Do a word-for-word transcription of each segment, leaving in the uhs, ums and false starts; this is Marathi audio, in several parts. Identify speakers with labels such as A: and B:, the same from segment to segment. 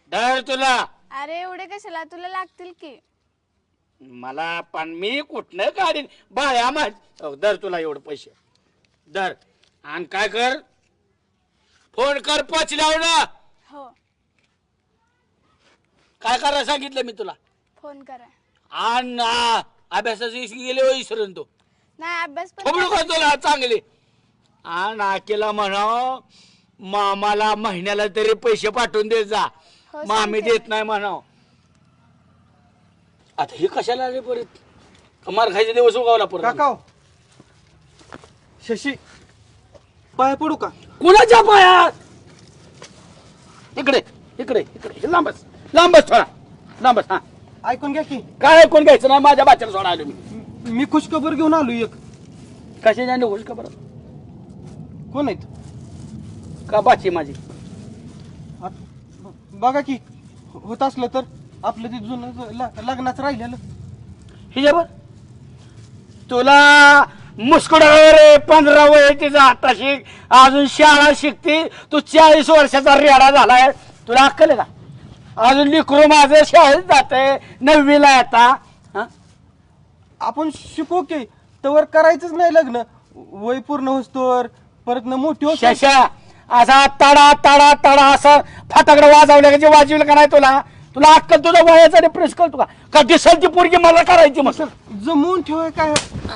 A: धर तुला.
B: अरे एवढे कशाला, तुला लागतील की.
A: मला पण मी कुठनं काढीन बाया माझ. धर तुला एवढे पैसे धर. आणि काय कर, फोन कर पोचल्यावर ना.
B: हो
A: काय करायला सांगितलं मी तुला.
B: फोन करा.
A: आणि अभ्यासाचे गेले हो विसरून तो.
B: नाही अभ्यास पण
A: खोबडू का तुला चांगले. आणि आकेला म्हणाव मामाला महिन्याला तरी पैसे पाठवून देत जा.
B: हो,
A: मामी
B: सांगते.
A: देत नाही म्हणाव. आता हे कशाला आले परत. कमार खायचे दिवस उगावला परत.
C: काका शशी पाय पडू का?
A: कुणाच्या पायात. इकडे इकडे इकडे लांबच लांबच थोडा लांबच. हा
C: ऐकून घ्या की,
A: काय ऐकून घ्यायचं नाही. माझ्या बाच्याला सोडा आलो मी.
C: मी खुशखबर घेऊन आलो एक.
A: कशा गोष्ट का बरं.
C: कोण आहेत?
A: का बाची माझी.
C: आत- बघा की होत असलं तर आपलं ते जुनं ल- लग्नाचं राहिलेलं.
A: हिच्यावर तुला मुस्कुड रे. पंधरा वय तिचा आता शिक. अजून शाळा शिकते. तू चाळीस वर्षाचा रेडा झालाय. तुला अक्कल आहे का. अजून लिकरू माझं शाळेत जाते नववीला आता. हा
C: आपण शिकू की तवर करायचंच नाही लग्न. वय पूर्ण होस्तोवर परत न मोठी होत.
A: शशा असा तडा तडा तडा असं फटाकडे वाजवलं का जे वाजवलं का नाही तुला. तुला अक्कल तुझा वयाचा डिप्रेस करतो का. का दिसल ती पोरगी मला करायची मग.
C: जमवून ठेवाय काय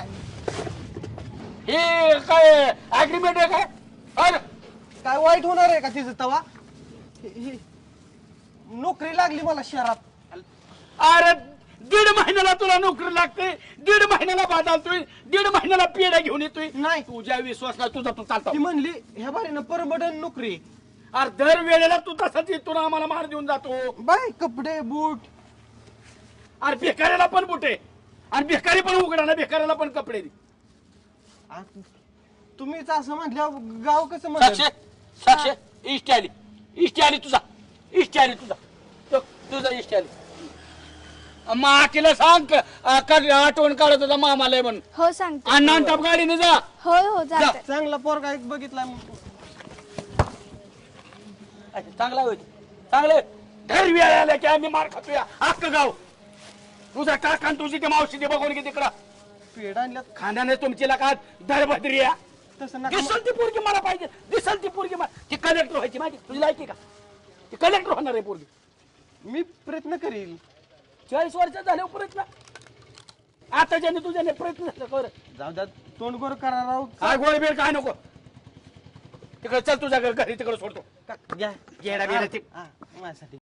A: हे काय अग्रीमेंट आहे काय. अरे
C: काय वाईट होणार आहे का तिचं तवा. हि- हि- नोकरी लागली मला शहरात.
A: अरे दीड महिन्याला तुला नोकरी लागते. दीड महिन्याला बदलतोय. दीड महिन्याला पेढ्या घेऊन येतोय.
C: नाही
A: तुझ्या विश्वासला तुझा तू चालतो.
C: ती म्हणली ह्या बारीनं परबडन नोकरी.
A: अरे दर वेळेला तू तसाच येतो ना आम्हाला मार देऊन जातो.
C: बाय कपडे बूट.
A: अरे भिकाऱ्याला पण बुटे. आणि भिकारी पण उघडा ना. भिकाऱ्याला पण कपडे दे.
C: आ, तुम्हीच असं म्हटलं गाव कसं म्हणलं.
A: साक्षे साक्षे इष्ट आली. इष्ट आली तुझा. इष्ट आली तुझा. तो तुझा इष्ट आली. माकीला सांग क- अ, क- आठवण काढत होता मामाला म्हणून.
B: हो सांगते.
A: आणि नानटाप गाडीने जा.
B: हो हो जाते.
C: चांगला पोरगा एक बघितला.
A: अच्छा, चांगला होईल चांगले. दर वेळ आल्या की आम्ही मार खातोय अख्खं गाव. तुझा काका आणि तुझी ते मावशी ते बघून घे तिकडं.
C: पेड आणल्यात
A: खांद्याने तुमची लका दरभद्री या.
C: तसं नका.
A: दिसल ती पोरगी मला पाहिजे. दिसल ती पोरगी मला. ती कलेक्टर व्हायची माझी तुझी लायकी का. ती कलेक्टर होणार आहे पोरगी.
C: मी प्रयत्न करील.
A: चाळीस वर्षात झाले प्रयत्न. आता ज्याने तुझ्याने प्रयत्न झाला कर.
C: जाऊ द्या तोंड गोर करा राव.
A: काय गोळ बिळ काय नको. तिकडे चल तुझ्या घरी तिकडे सोडतो.
C: का- घ्या
A: येडा बिडा ते.
C: हा, माझ्यासाठी